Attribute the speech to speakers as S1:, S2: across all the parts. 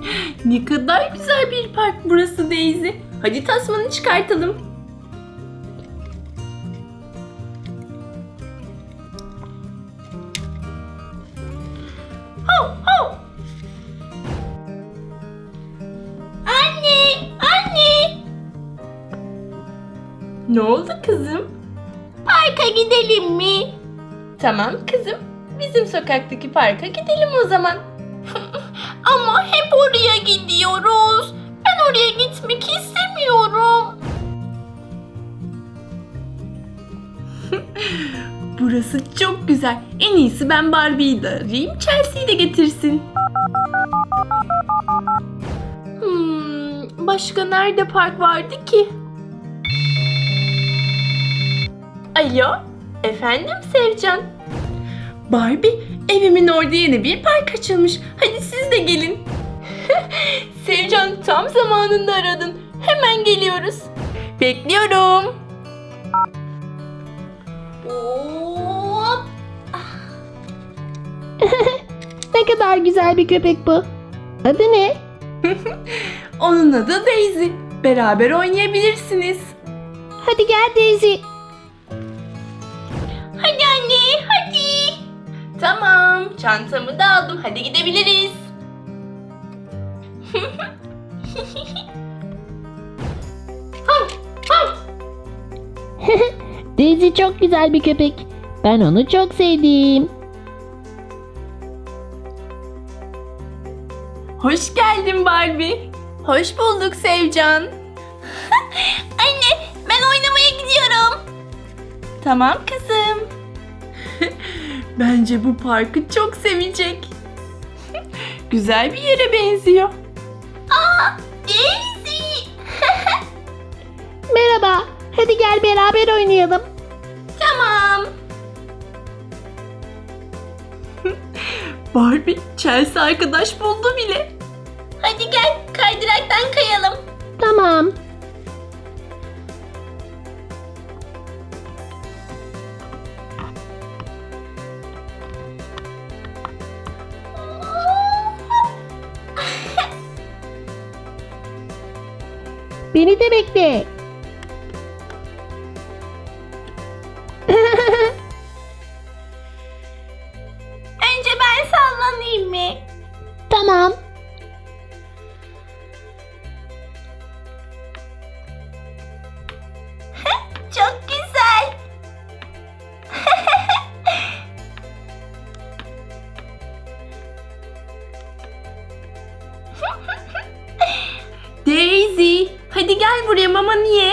S1: Ne kadar güzel bir park burası Daisy. Hadi tasmanı çıkartalım. Hav hav.
S2: Anne, anne.
S1: Ne oldu kızım?
S2: Parka gidelim mi?
S1: Tamam kızım. Bizim sokaktaki parka gidelim o zaman.
S2: Ama hep oraya gidiyoruz. Ben oraya gitmek istemiyorum.
S1: Burası çok güzel. En iyisi ben Barbie'yi de arayayım, Chelsea'yi de getirsin. Başka nerede park vardı ki? Alo, efendim Sevcan? Barbie, evimin orada yeni bir park açılmış. Hadi siz de gelin. Sevcan, tam zamanında aradın. Hemen geliyoruz. Bekliyorum.
S2: Hop.
S3: Ne kadar güzel bir köpek bu. Adı ne?
S1: Onun adı Daisy. Beraber oynayabilirsiniz.
S3: Hadi gel Daisy.
S2: Hadi anne, hadi.
S1: Tamam, çantamı da aldım. Hadi gidebiliriz.
S3: Daisy çok güzel bir köpek. Ben onu çok sevdim.
S1: Hoş geldin Barbie. Hoş bulduk Sevcan.
S2: Anne, ben oynamaya gidiyorum.
S1: Tamam kızım. Bence bu parkı çok sevecek. Güzel bir yere benziyor.
S2: Daisy.
S3: Merhaba. Hadi gel beraber oynayalım.
S2: Tamam.
S1: Barbie, Chelsea arkadaş buldu bile.
S2: Hadi gel, kaydıraktan kayalım.
S3: Tamam. Beni de bekle.
S2: Önce ben sallanayım mı?
S3: Tamam.
S2: Çok güzel.
S1: Daisy, hadi gel buraya, mamanı ye.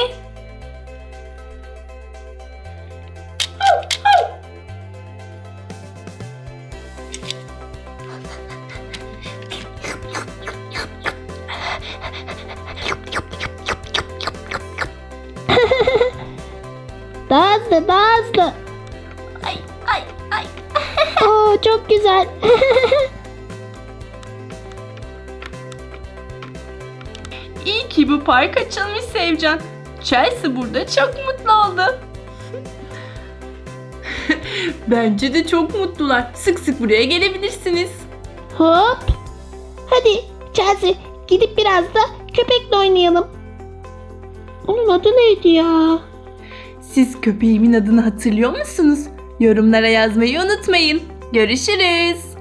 S3: Daha hızlı, daha hızlı.
S2: Ay, ay, ay.
S3: Oo, çok güzel.
S1: İyi ki bu park açılmış Sevcan. Chelsea burada çok mutlu oldu. Bence de çok mutlular. Sık sık buraya gelebilirsiniz.
S3: Hop. Hadi Chelsea, gidip biraz da köpekle oynayalım. Onun adı neydi ya?
S1: Siz köpeğimin adını hatırlıyor musunuz? Yorumlara yazmayı unutmayın. Görüşürüz.